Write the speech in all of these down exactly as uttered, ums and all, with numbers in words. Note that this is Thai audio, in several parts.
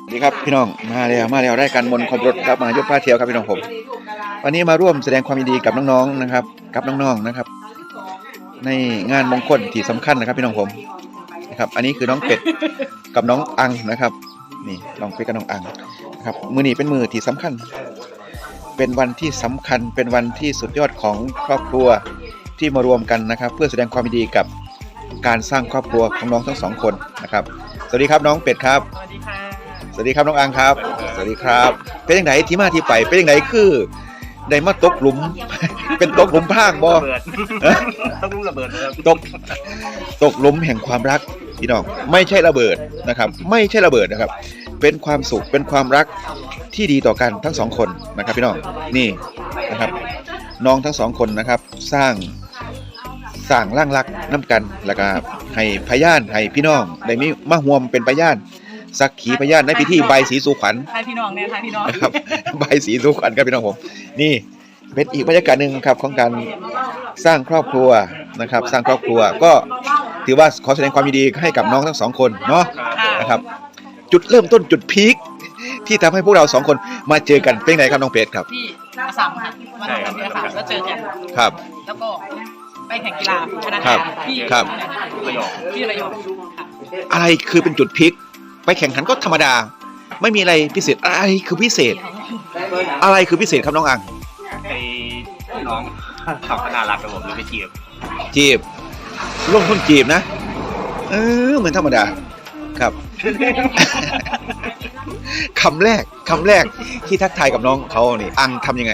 ดีครับพี่น้องมาแล้วมาแล้วได้การมนต์ครบรถครับมายกผ้าเที่ยวครับพี่น้องผมวันนี้มาร่วมแสดงความยินดีกับน้องๆนะครับกับน้องๆนะครับในงานมงคลที่สำคัญนะครับพี่น้องผมนะครับอันนี้คือน้องเป็ดกับน้องอังนะครับนี่น้องเป็ดกับน้องอังนะครับมือนี้เป็นมือที่สำคัญเป็นวันที่สำคัญเป็นวันที่สุดยอดของครอบครัวที่มารวมกันนะครับเพื่อแสดงความยินดีกับการสร้างครอบครัวของน้องทั้งสองคนนะครับสวัสดีครับน้องเป็ดครับสวัสดีค่ะสวัสดีครับน้องอังครับสวัสดีครับเป็นยังไงที่มาที่ไปเป็นยังไงคือได้มาตกหลุมเป็นตกหลุมพรางบ่ตกหลุมระเบิดตกตกหลุมแห่งความรักพี่น้องไม่ใช่ระเบิดนะครับไม่ใช่ระเบิดนะครับเป็นความสุขเป็นความรักที่ดีต่อกันทั้งสองคนนะครับพี่น้องนี่นะครับน้องทั้งสองคนนะครับสร้างสร้างร่างรักน้ำกันแล้วก็ให้พยานให้พี่น้องได้มีมาห่วมเป็นพยานสักขีพยานในพิธีใบสีสู่ขวัญทายพี่น้องเนี่ยทายพี่น้องนะครับใบสีสู่ขวัญครับพี่น้องผมนี่เป็นอีกบรรยากาศหนึ่งครับของการสร้างครอบครัวนะครับสร้างครอบครัวก็ถือว่าขอแสดงความยินดีให้กับน้องทั้งสองคนเนาะนะครับจุดเริ่มต้นจุดพีคที่ทำให้พวกเราสองคนมาเจอกันเป็นไงครับน้องเป็ดครับที่อาสามค่ะวันนั้นเนี่ยค่ะแล้วเจอกันครับแล้วก็ไปแข่งกีฬาชนะที่ระยองที่ระยองอะไรคือเป็นจุดพีคไปแข่งขันก็ธรรมดาไม่มีอะไรพิเศษอะไรคือพิเศษอะไรคือพิเศษครับน้องอังไอ้น้องขับขนาดรักกับผมเลยไปจีบจีบลงทุนจีบนะเออเหมือนธรรมดาครับคำแรกคำแรกที่ทักทายกับน้องเขานี่อังทำยังไง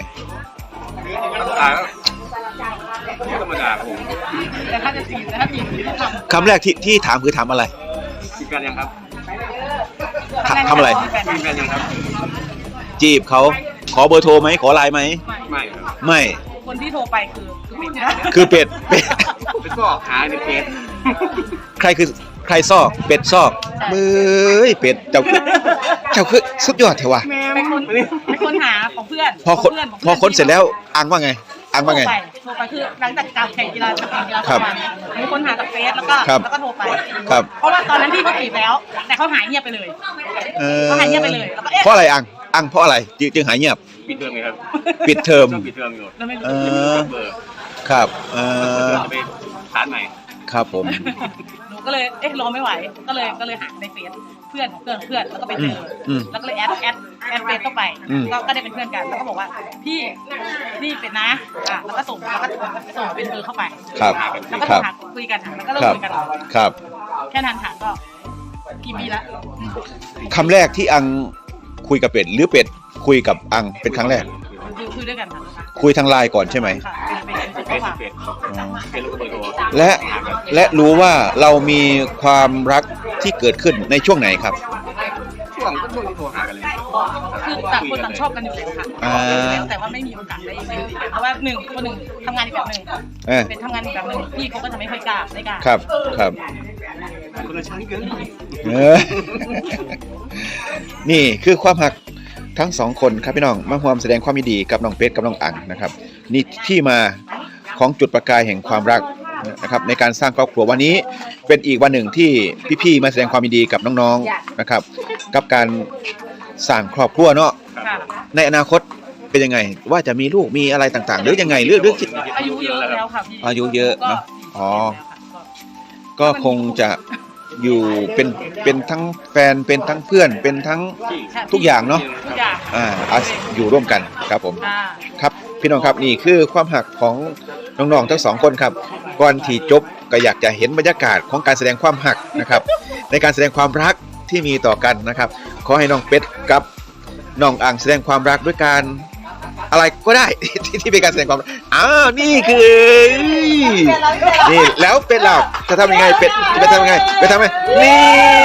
ธรรมดาผมแต่ถ้าจะจีบแต่ถ้าจีบคำแรกที่ที่ถามคือถามอะไรจีบกันยังครับทำอะไรจีบกันยังครับจีบเขาขอเบอร์โทรไหมขอไลน์ไหมไม่ไม่คนที่โทรไปคือคือเป็ดคือเป็ดเป็ดเป็นซอกหาในเป็ดใครคือใครซอกเป็ดซอกมือเป็ดเจ้าคือเจ้าคือสุดยอดเถอะวะเป็นคนเป็นคนหาของเพื่อนพอคนพอคนเสร็จแล้วอังว่าไงอังว่าไงโทรไปคือหลังจากการแข่งกีฬาจะแข่งกีฬาประมาณมีคนหาจากเฟซแล้วก็แล้วก็โทรไปครับเพราะว่าตอนนั้นพี่เขาจีบแล้วแต่เขาหายเงียบไปเลยเขาหายเงียบไปเลยแล้วก็เอ๊ะเพราะอะไรอังอังเพราะอะไรจึงหายเงียบปิดเทอมไงครับปิดเทอมปิดเทอมอยู่เออครับเออจะไปสารใหม่ครับผมหนูก็เลยเอ๊ะรอไม่ไหวก็เลยก็เลยหาในเฟซเพื่อนของเพื่อนเพื่อนแล้วก็ไปเจอแล้วก็เลยแอดแอดแอดเฟซเข้าไปก็ก็ได้เป็นเพื่อนกันแล้วก็บอกว่าพี่นี่เป็นนะอ่ะแล้วก็ส่งแล้วก็ส่งเป็นเบอร์เข้าไปครับแล้วก็โทรหาคุยกันแล้วก็เริ่มคุยกันครับแค่นั้นค่ะก็กี่ปีละคำแรกที่อังคุยกับเป็ดหรือเป็ดคุยกับอังเป็นครั้งแรกคุยด้วยกันค่ะคุยทางไลน์ก่อนใช่ไหมและและรู้ว่าเรามีความรักที่เกิดขึ้นในช่วงไหนครับช่วงก็ช่วงที่โทรหากันเลยคือต่างคนต่างชอบกันอยู่แล้วค่ะแต่ว่าไม่มีโอกาสได้คุยกันเพราะว่าหนึ่งคนหนึ่งทำงานอีกแบบหนึ่งเป็นทำงานอีกแบบหนึ่งพี่เขาก็จะไม่ค่อยกล้าไม่กล้าครับครับคนละชั้นเกินนี่คือความหักทั้งสองคนครับพี่น้องมาร่วมแสดงความยินดีกับน้องเป็ดกับน้องอังนะครับนี่ที่มาของจุดประกายแห่งความรักนะครับในการสร้างครอบครัววันนี้เป็นอีกวันหนึ่งที่พี่ๆมาแสดงความยินดีกับน้องๆนะครับกับการสร้างครอบครัวเนาะในอนาคตเป็นยังไงว่าจะมีลูกมีอะไรต่างๆหรือยังไงหรือหรืออายุเยอะแล้วค่ะพี่อายุเยอะเนาะอ๋อก็คงจะอยู่เป็นเป็นทั้งแฟนเป็นทั้งเพื่อนเป็นทั้งทุกอย่างเนาะอ่าอยู่ร่วมกันครับผมครับพี่น้องครับนี่คือความหักของน้องๆทั้งสองคนครับก่อนที่จบก็อยากจะเห็นบรรยากาศของการแสดงความหักนะครับในการแสดงความรักที่มีต่อกันนะครับขอให้น้องเป็ดกับน้องอังแสดงความรักด้วยการอะไรก็ได้ที่ที่เป็นการแสดงความอ้าวนี่คือนี่แล้วเป็ดเราจะทำยังไงเป็ดจะทำยังไงไปทำไงนี่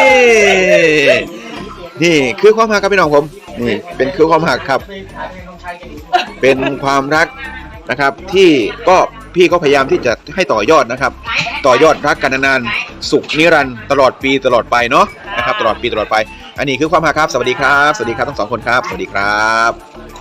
นี่คือความหักครับพี่น้องผมนี่เป็นคือความหักครับเป็นความรักนะครับที่ก็พี่ก็พยายามที่จะให้ต่อยอดนะครับต่อยอดรักกันนานๆสุขนิรันดร์ตลอดปีตลอดไปเนาะนะครับตลอดปีตลอดไปอันนี้คือความหักครับสวัสดีครับสวัสดีครับทั้งสองคนครับสวัสดีครับ